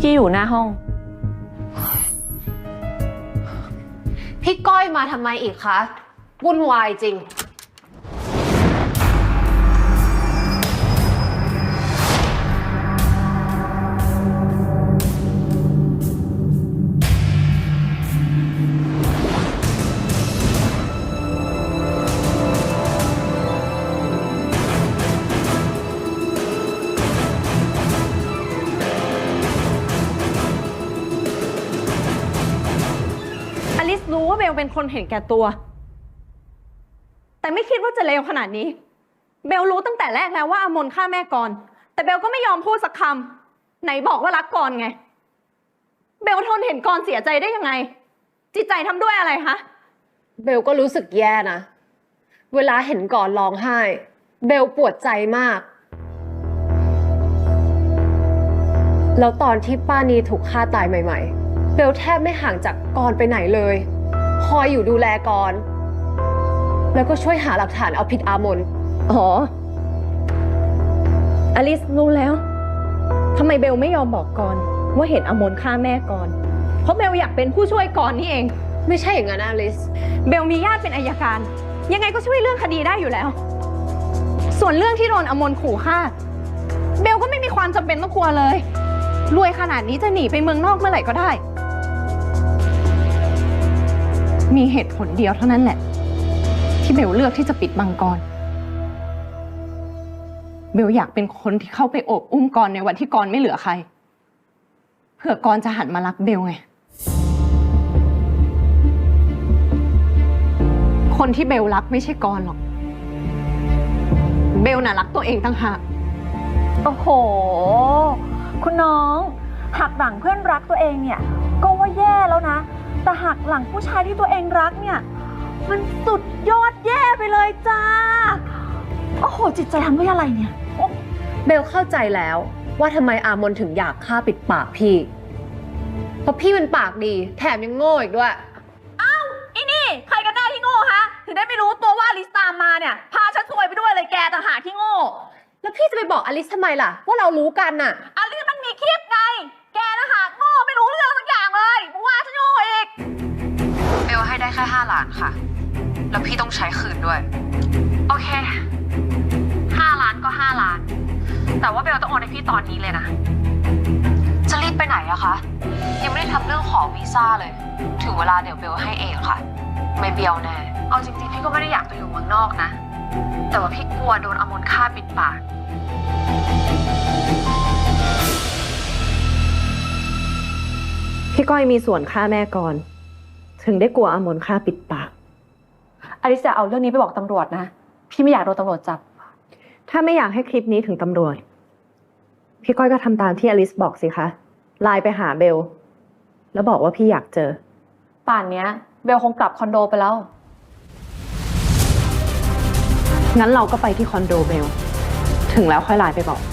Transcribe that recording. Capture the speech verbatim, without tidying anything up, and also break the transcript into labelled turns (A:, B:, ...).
A: พี่อยู่หน้าห้อง
B: พี่ก้อยมาทำไมอีกคะวุ่นวายจริง
A: อลิซรู้ว่าเบลเป็นคนเห็นแก่ตัวแต่ไม่คิดว่าจะเลวขนาดนี้เบลรู้ตั้งแต่แรกแล้วว่าอมนฆ่าแม่ก่อนแต่เบลก็ไม่ยอมพูดสักคำไหนบอกว่ารักก่อนไงเบลทนเห็นก่อนเสียใจได้ยังไงจิตใจทำด้วยอะไรคะ
B: เบลก็รู้สึกแย่นะเวลาเห็นก่อนร้องไห้เบลปวดใจมากแล้วตอนที่ป้านีถูกฆ่าตายใหม่ๆเบลแทบไม่ห่างจากกรไปไหนเลยคอยอยู่ดูแลกรแล้วก็ช่วยหาหลักฐานเอาผิดอามน
A: อ๋ออลิซรู้แล้วทำไมเบลไม่ยอมบอกก่อนว่าเห็นอมนฆ่าแม่ก่อนเพราะเบลอยากเป็นผู้ช่วยก่อนนี่เอง
B: ไม่ใช่อย่างนั้นอลิซ
A: เบลมีญาติเป็นอัยการยังไงก็ช่วยเรื่องคดีได้อยู่แล้วส่วนเรื่องที่โดนอมนขู่ฆ่าเบลก็ไม่มีความจำเป็นต้องกลัวเลยรวยขนาดนี้จะหนีไปเมืองนอกเมื่อไหร่ก็ได้มีเหตุผลเดียวเท่านั้นแหละที่เบลเลือกที่จะปิดบังกรเบลอยากเป็นคนที่เข้าไปโอบอุ้มกรในวันที่กรไม่เหลือใครเพื่อกรจะหันมารักเบลไงคนที่เบลรักไม่ใช่กรหรอกเบลน่ะรักตัวเองตั้งหาก
C: โอ้โหคุณน้องหักหลังเพื่อนรักตัวเองเนี่ยก็ว่าแย่แล้วนะแต่หักหลังผู้ชายที่ตัวเองรักเนี่ยมันสุดยอดแย่ไปเลยจ้าโอ้โหจิตใจทำด้วยอะไรเนี่ย
B: เบลเข้าใจแล้วว่าทำไมอามนถึงอยากฆ่าปิดปากพี่เพราะพี่มันปากดีแถมยังโง่อีกด้วย
C: อ้าวอีนี่ใครกันแน่ที่โง่ฮะถึงได้ไม่รู้ตัวว่าอลิซตามมาเนี่ยพาฉันซวยไปด้วยเลยแกต่างหากที่โง่
B: แล้วพี่จะไปบอกอลิซทำไมล่ะว่าเรารู้กันน่ะ
C: อลิซมันมีคลิปไงแกนะหากโง่ไม่รู้เรื่องสักอย่างเลยมึงว่าฉันโง่อีก
D: เบลให้ได้แค่ห้าล้านค่ะแล้วพี่ต้องใช้คืนด้วยโอเคห้าล้านก็ห้าล้านแต่ว่าเบลต้องโอนให้พี่ตอนนี้เลยนะจะรีบไปไหนอะคะยังไม่ได้ทำเรื่องขอวีซ่าเลยถึงเวลาเดี๋ยวเบลให้เองค่ะไม่เบี้ยวแน่เอาจริงๆพี่ก็ไม่ได้อยากไปอยู่เมืองนอกนะแต่ว่าพี่กลัวโดนอมนฆ่าปิดปาก
A: พี่ก้อยมีส่วนฆ่าแม่ก่อนถึงได้กลัวอมนฆ่าปิดปาก
C: อลิซจะเอาเรื่องนี้ไปบอกตำรวจนะพี่ไม่อยากโดนตำรวจจับ
A: ถ้าไม่อยากให้คลิปนี้ถึงตำรวจพี่ก้อยก็ทำตามที่อลิซบอกสิคะไลน์ไปหาเบลแล้วบอกว่าพี่อยากเจอ
C: ป่านนี้เบลคงกลับคอนโดไปแล้ว
A: งั้นเราก็ไปที่คอนโดเบลถึงแล้วค่อยไลน์ไปบอก